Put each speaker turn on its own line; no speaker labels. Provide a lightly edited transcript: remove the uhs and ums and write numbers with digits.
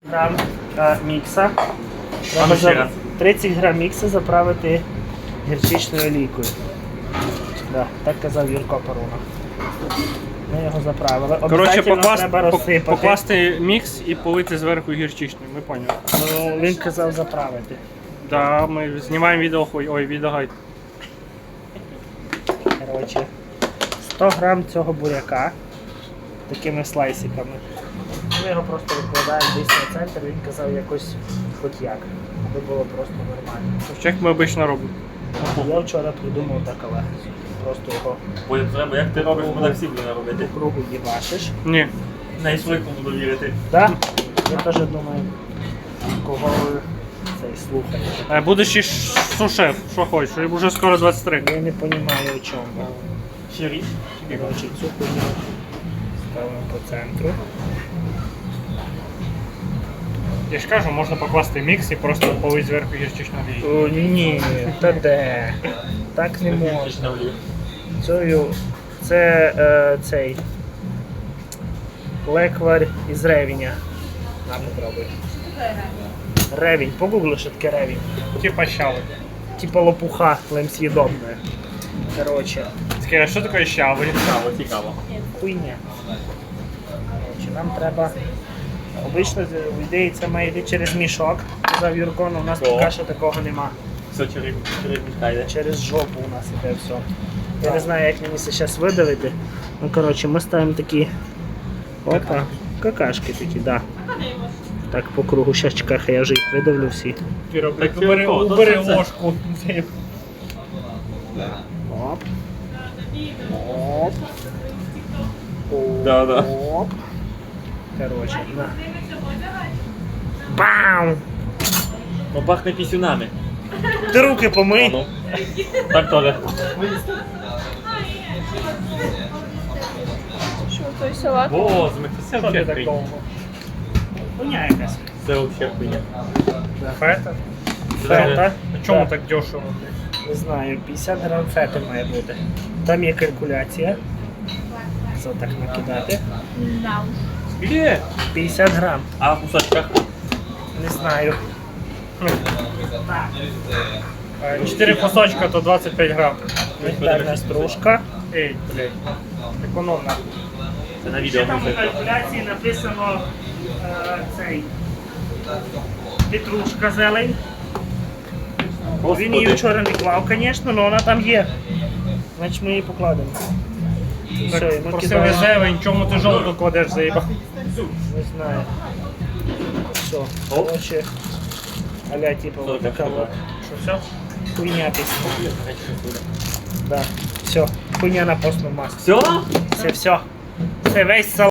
Грам мікса.
А ну ще раз.
30 грам мікса заправити гірчичною олійкою. Да, так казав Юрко Паруна. Ми його заправили.
Коротше,
Обов'язково треба розсипати.
покласти мікс і полити зверху гірчичною, ми поняли.
Ну, він казав заправити.
Да, ми знімаємо відео, відеогайд.
Коротше, 100 грам цього буряка такими слайсиками. Ми його просто викладаємо десь на центр, він казав якось хоч як, аби було просто нормально.
Як ми обично робимо.
Я вчора придумав так, але просто його
Потім треба, як ти робиш, ми так всі будемо робити.
по кругу їбашиш.
Ні.
На свойку буду вірити.
Так? Я теж думаю, кого ви цей слухаєте.
Будеш і сушеф, що хочеш, вже скоро 23.
Я не розумію, о чому.
Ще річ.
Коротше, цю хуйню ставимо по центру.
Я ж кажу, можна покласти мікс і просто полити зверху гірчичною олією.
О, ні, та де? Так не можна. Це цей леквар із ревеня. На, попробуй. Ревень, погугли, що таке ревень.
Типа щави.
Типа лопуха лемсъедобная. Короче,
Скажи, а що таке щави?
Цікаво, цікаво.
хуйня. Короче, нам треба. Обично, в ідеї, це має йти через мішок. Казав Юрко, але у нас поки що такого нема.
Все через мішка йде.
Через жопу у нас іде все. Я не знаю, як мені це зараз видавити. Ну, коротше, ми ставимо такі. Опа, какашки такі, да. Так, по кругу. Щас чекай, хай я вже їх видавлю всі.
Так,
убери
убери
це.
ложку.
Оп. Оп.
Да, да.
Оп. Короче, на. Бам!
Ну пахне пісюнами.
Ти руки помий.
Ну. Так теж.
Що, той салат?
Боже, це
Що ти
взагалі
так
хуйня.
довго?
Хуйня якась.
Це взагалі хуйня.
Фета?
Фета?
А чому
Так.
так дешево?
Не знаю, 50 грам фету має бути. Там є калькуляція. Це так накидати.
На.
Скільки?
50 грам.
А в кусочках?
Не знаю.
4 кусочка, то 25 грам.
Мигдальна стружка.
Ей, блядь. Економно.
Це на
Ще
відео
там у
буде.
калькуляції написано цей петрушка зелень. Він її
Господи.
вчора не клав, звісно, але вона там є. Значить ми її покладемо. Все, і
Так,
ми
просив
кидаємо.
зелень, чому ти жовту кладеш, заїбав?
Не знаю. Все, короче, а-ля типа вот
Що,
така
так,
вот
Що, все?
хуйня писана. Да, все, хуйня на постном масле.
Все?
Це все. Це весь салат.